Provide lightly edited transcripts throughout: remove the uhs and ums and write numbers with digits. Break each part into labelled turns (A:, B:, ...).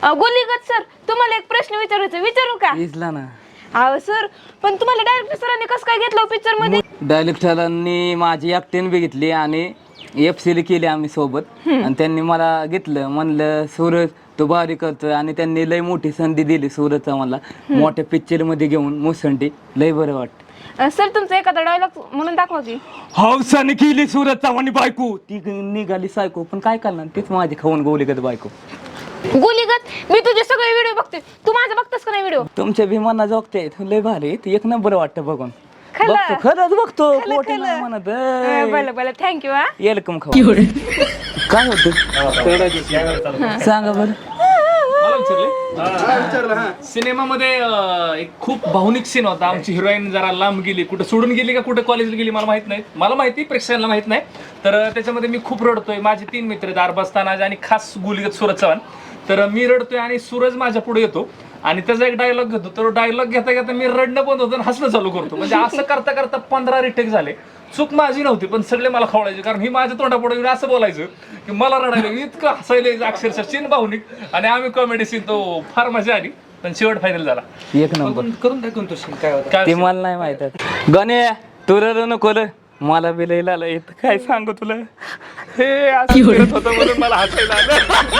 A: गोलीगत sir, तुम्हाला एक प्रश्न विचारायचा, विचारू का?
B: विचारला ना.
A: अहो सर, पण तुम्हाला डायरेक्टर सरांनी कसं काय घेतलं पिक्चर मध्ये?
B: डायरेक्टरांनी माझी ऍक्टिंग बघितली आणि FC केली आम्ही सोबत आणि त्यांनी मला घेतलं. म्हणलं सूरज तो भारी करतोय आणि त्यांनी लय मोठी संधी दिली सूरजचा मला मोठ्या पिक्चर मध्ये घेऊन मुसंडी. लय बरं वाटतं.
A: सर तुमचा एखादा डायलॉग म्हणून दाखवा की.
B: हौसाने केली सूरज चव्हाण बायको, ती निघाली सायको, पण काय करणार तीच माझी खाऊन गोलीगत बायको.
A: गोलीगत, मी तुझे सगळे व्हिडिओ बघते, तू माझा बघतोस का नाही व्हिडिओ?
B: तुमच्या भीमाना जोगते लय भारी, ती एक नंबर वाटतं बघून.
A: खरं?
B: बघतो, खरंच बघतो,
A: खरं,
B: खोटं नाही
A: खरं.
B: म्हणत.
A: बरं बरं, थँक्यू. हा
B: वेलकम खाऊ. काय होतं सांगा बरं.
C: मला विचारले सिनेमामध्ये एक खूप भावनिक सीन होता. आमची हिरोईन जरा लांब गेली, कुठं सोडून गेली का कुठं कॉलेजला गेली मला माहित नाही. मला माहिती, प्रेक्षकांना माहित नाही. तर त्याच्यामध्ये मी खूप रडतोय. माझे 3 मित्र आहेत, अरबाज तानाज आणि खास गोलीगत सूरज चव्हाण. तर मी रडतोय आणि सूरज माझ्या पुढे येतो आणि त्याचा एक डायलॉग घेतो. तर डायलॉग घेता घेता मी रडणं बंद होतं आणि हसणं चालू करतो. म्हणजे असं करता करता 15 रिटेक झाले. चूक माझी नव्हती, पण सगळे मला खवळायचे, कारण ही माझ्या तोंडापुढे येऊन असं बोलायचं की मला रडायला इतकं हसायला अक्षरशः सीन भावनिक आणि आम्ही कॉमेडी सीन, तो फार मजा आली. पण शेवट फायनल झाला.
B: एक नंबर
C: करून दाखवून तो सीन काय होता
B: ते मला नाही माहित. गणे तू रडू नको रे, मला बी लय आलं येत. काय सांगू तुला,
C: हे असं करत होतं म्हणून मला हसायला आलं.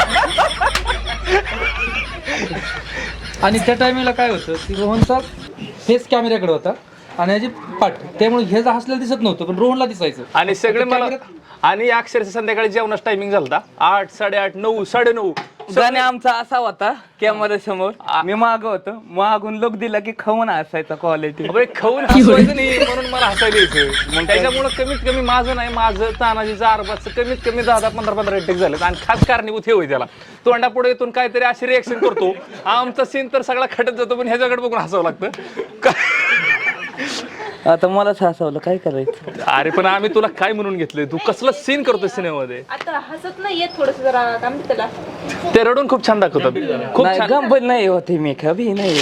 D: आणि त्या टायमिंगला काय होतं की रोहनचा फेस कॅमेऱ्याकडे होता आणि ह्याची पाठ, त्यामुळे हे हसलेलं दिसत नव्हतं पण रोहनला दिसायचं.
C: आणि सगळे मला, आणि अक्षरशः संध्याकाळी जेवणाचा टायमिंग झाला 8, 8:30, 9, 9:30.
B: गाणे आमचा असा होता कॅमेरा समोर, मी माग होतो, मागून लोक दिला की खाऊन असायचा क्वालिटी.
C: खाऊन हसवायचं नाही म्हणून मला हसायला यायचं. मग त्याच्यामुळे कमीत कमी माझं नाही, माझं तानाजीचं अरबाजचं कमीत कमी 10-15 रेटेक झालं. आणि खास कारणीभूत हे होईल त्याला, तोंडापुढे येतून काहीतरी अशी रिएक्शन करतो. आमचा सीन तर सगळा खटत जातो, पण ह्याच्याकडे बघून हसावं लागतं.
B: आता मलाच हसवलं, काय करायचं.
C: अरे पण आम्ही तुला काय म्हणून घेतलंय, तू कसला सीन करतोय सिनेमामध्ये.
A: आता हसत नाही येत, थोडस जरा काय म्हणते त्याला,
C: ते रडून खूप छान दाखवतात. खूप
B: नाही
C: छान
B: गंभीर नाही होते मी, कभी नाही.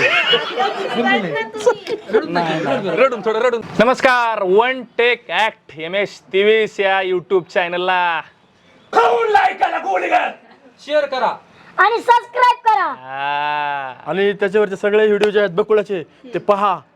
C: रडून, थोडं रडून. नमस्कार, वन टेक ऍक्ट MS23 या युट्यूब चॅनलला
D: शेअर करा
E: आणि सबस्क्राईब करा.
C: हा.
F: आणि त्याच्यावरचे सगळे व्हिडिओ जे आहेत बकुळाचे ते पहा.